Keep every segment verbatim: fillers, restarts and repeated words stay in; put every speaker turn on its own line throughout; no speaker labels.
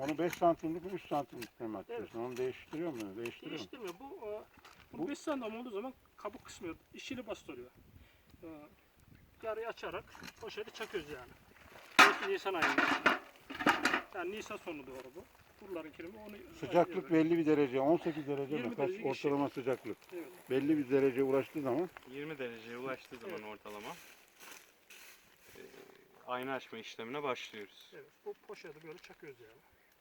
Onu beş santimlik mi üç santimlik mi atıyorsun?
Evet.
Onu değiştiriyor mu? Değiştiriyor mu?
Değiştirmiyor. Bu, e, bu,
Bu-
beş santim olduğu zaman kabuk kısmıyor. İşini bastırıyor. E, yarıyı açarak poşeti çakıyoruz yani. Burası Nisan ayında. Yani Nisan sonu doğru bu. Buraların kirimi onu
Sıcaklık
ayırıyor.
belli bir derece. on sekiz derece
yirmi
mi? Kaç
derece
ortalama sıcaklık?
Evet.
Belli bir dereceye ulaştığı zaman
yirmi dereceye ulaştığı zaman
Evet.
ortalama e, ayna açma işlemine başlıyoruz.
Evet. Bu poşeti böyle çakıyoruz yani.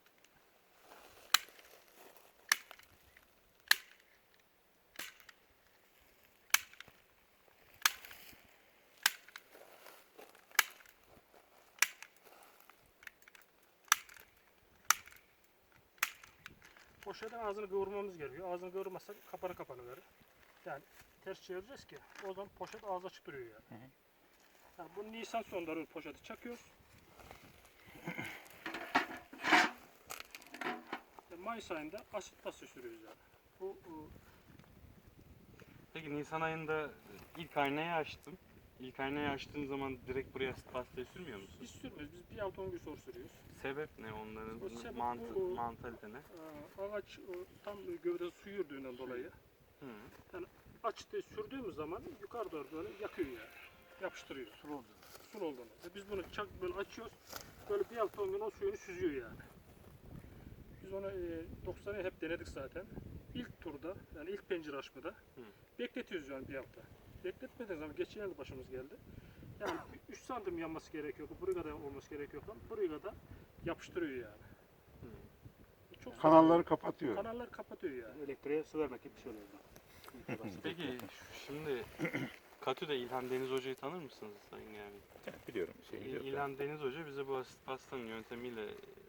Poşetin ağzını kıvırmamız gerekiyor. Ağzını kıvırmazsak kapanı kapanı verir. Yani ters çevireceğiz ki o zaman poşet ağzı açık duruyor yani.
Hı hı.
Yani bu Nisan sonları poşeti çakıyoruz. Ve Mayıs ayında asit pasta sürüyoruz yani. Bu, bu
Peki Nisan ayında ilk aynayı açtım. İlk aynayı açtığın zaman direkt buraya asit pastayı sürmüyor musun?
biz sürmüyoruz. Biz bir hafta on gün sonra sürüyoruz.
Sebep ne onların?
O sebep
Mantı,
bu-
mantalite ne?
Aa, ağaç o, tam gövde su yürüdüğünden dolayı
Hı.
açtı sürdüğümüz zaman yukarı doğru böyle yakıyor yani. Yapıştırıyor. Sul olduğunu. Sul olduğunu. Ve biz bunu çak böyle açıyoruz. Böyle bir hafta on gün o suyunu süzüyor yani. Biz onu e, doksanı hep denedik zaten. İlk turda yani ilk pencere açmada
Hı.
bekletiyoruz yani bir hafta. Bekletmediğimiz zaman geçen yıl başımız geldi. Yani üç santim yanması gerekiyor. Buraya kadar olması gerekiyor falan. Buraya kadar yapıştırıyor yani.
Hı.
Çok
kanalları kapatıyor.
kanallar kapatıyor yani.
Elektriğe su vermek gibi bir şey oluyor.
Peki şimdi Katü'de İlhan Deniz Hoca'yı tanır mısınız Sayın Gami?
Biliyorum. Şey, biliyorum.
İlhan Deniz Hoca bize bu asit pastanın yöntemiyle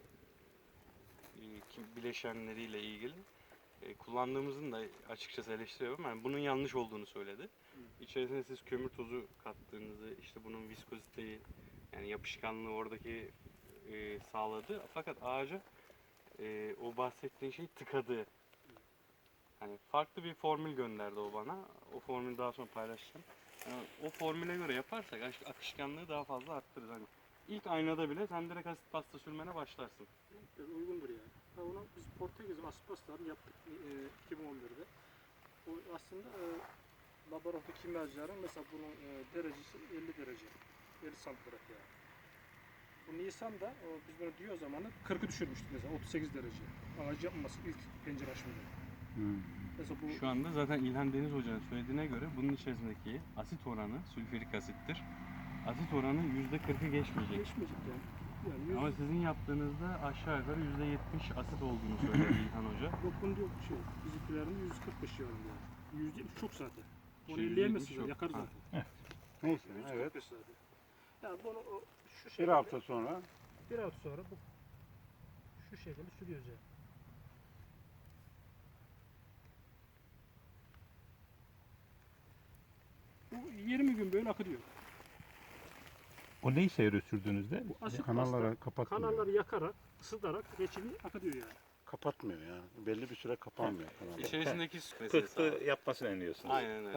e, kim- bileşenleriyle ilgili e, kullandığımızın da açıkçası eleştiriyorum. Yani bunun yanlış olduğunu söyledi. İçerisine siz kömür tozu kattığınızı, işte bunun viskoziteyi yani yapışkanlığı oradaki e, sağladı. Fakat ağaca e, o bahsettiğin şey tıkadı. Hani farklı bir formül gönderdi o bana. O formülü daha sonra paylaşacağım. Yani o formüle göre yaparsak ak- akışkanlığı daha fazla arttırır. Hani ilk aynada bile sen direkt asit pasta sürmene başlarsın.
Yani uygundur yani. Ha, onu biz Portekiz aspastaları yaptık e, iki bin on birde. O aslında e, laboratuvar kimyacıların mesela bunun e, derecesi elli derece. elli santigrat yani. Bu Nisan'da o, biz bunu diyor zamanı kırkı düşürmüştük mesela otuz sekiz derece. Ağacı yapmaması ilk pencere açmada.
Hmm.
Mesela bu
Şu anda zaten İlhan Deniz Hoca'nın söylediğine göre bunun içerisindeki asit oranı sülfürik asittir. Asit oranı yüzde kırkı geçmeyecek.
geçmeyecek yani. Yani yüz,
Ama sizin yaptığınızda aşağı yukarı yüzde yetmiş asit olduğunu söyledi İlhan Hoca.
yok bunda yok bir şey. yok. Bizimkilerin yüz kırk beş civarında yani. yüz yetmiş çok zaten. Onu
Şey,
elleyemezsiniz,
yüz yetmiş
yakar
yok.
zaten.
Neyse
yüz
evet.
kırk beş zaten. Yani bunu o, şu
Bir
şekilde,
hafta sonra
bir hafta sonra bu şu şekilde sürüyoruz yani. Bu yirmi gün böyle akıyor.
O ne işe yarıyor sürdüğünüzde?
Bu asit
kanalları
pasta
kapatmıyor.
kanalları yakarak, ısıtarak reçini akıtıyor yani.
Kapatmıyor yani. Belli bir süre kapanmıyor kanallar.
İçerisindeki su meselesi.
Pıhtı yapmasını önlüyorsunuz.
Aynen öyle.